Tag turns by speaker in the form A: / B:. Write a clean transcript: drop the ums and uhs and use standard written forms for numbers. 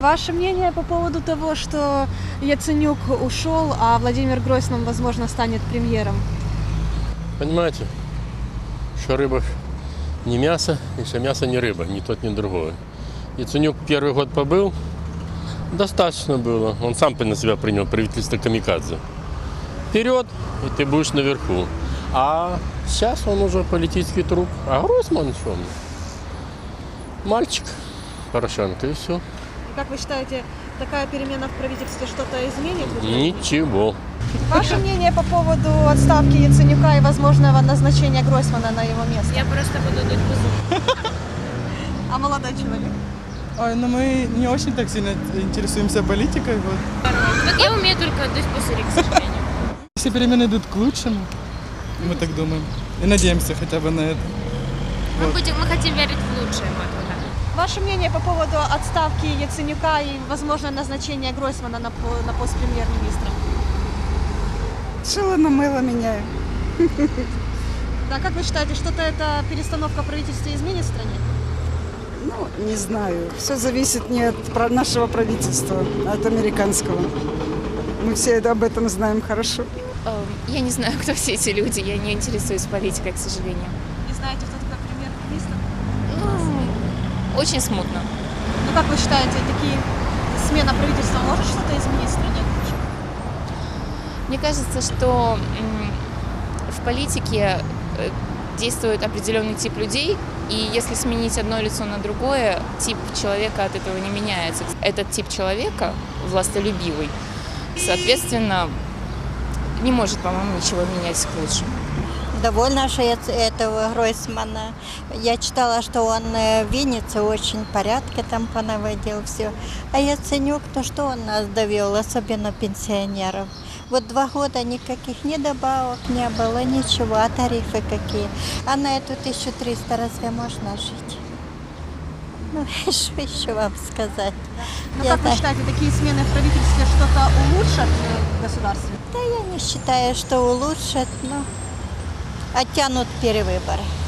A: Ваше мнение по поводу того, что Яценюк ушел, а Владимир Гройсман, возможно, станет премьером?
B: Понимаете, что рыба не мясо, и что мясо не рыба, ни тот, ни другое. Яценюк первый год побыл, достаточно было. Он сам на себя принял правительство камикадзе. Вперед, и ты будешь наверху. А сейчас он уже политический труп. А Гройсман что? Мальчик Порошенко, и все.
A: Как вы считаете, такая перемена в правительстве что-то изменит?
B: Ничего.
A: Ваше мнение по поводу отставки Яценюка и возможного назначения Гройсмана на его место?
C: Я просто буду дуть бузу.
A: А молодой человек?
D: Ой, ну мы не очень так сильно интересуемся политикой. Вот.
C: Вот я умею только дуть пузыри, к сожалению.
D: Все перемены идут к лучшему, мы так думаем. И надеемся хотя бы на это.
C: Мы хотим верить в лучшее, вот так.
A: Ваше мнение по поводу отставки Яценюка и возможного назначения Гройсмана на пост премьер-министра?
E: Шило на мыло меняю.
A: Да, как вы считаете, что-то эта перестановка правительства изменит в стране?
E: Ну, не знаю. Все зависит не от нашего правительства, а от американского. Мы все об этом знаем хорошо.
F: Я не знаю, кто все эти люди, я не интересуюсь политикой, к сожалению.
A: Не знаете, кто такой премьер-министр?
F: Ну, очень смутно.
A: Ну, как вы считаете, смена правительства может что-то изменить в стране?
F: Мне кажется, что в политике действует определенный тип людей, и если сменить одно лицо на другое, тип человека от этого не меняется. Этот тип человека, властолюбивый, соответственно, не может, по-моему, ничего менять к лучшему.
G: Довольна же этого Гройсмана. Я читала, что он в Виннице очень порядки там понаводил все. А Яценюк, то что он нас довел, особенно пенсионеров. Вот 2 года никаких ни добавок не было, ничего, а тарифы какие. А на эту 1300 разве можно жить? Ну, что еще вам сказать?
A: Ну, как вы считаете, такие смены в правительстве что-то улучшат в государстве?
G: Да я не считаю, что улучшат, но оттянут перевыборы.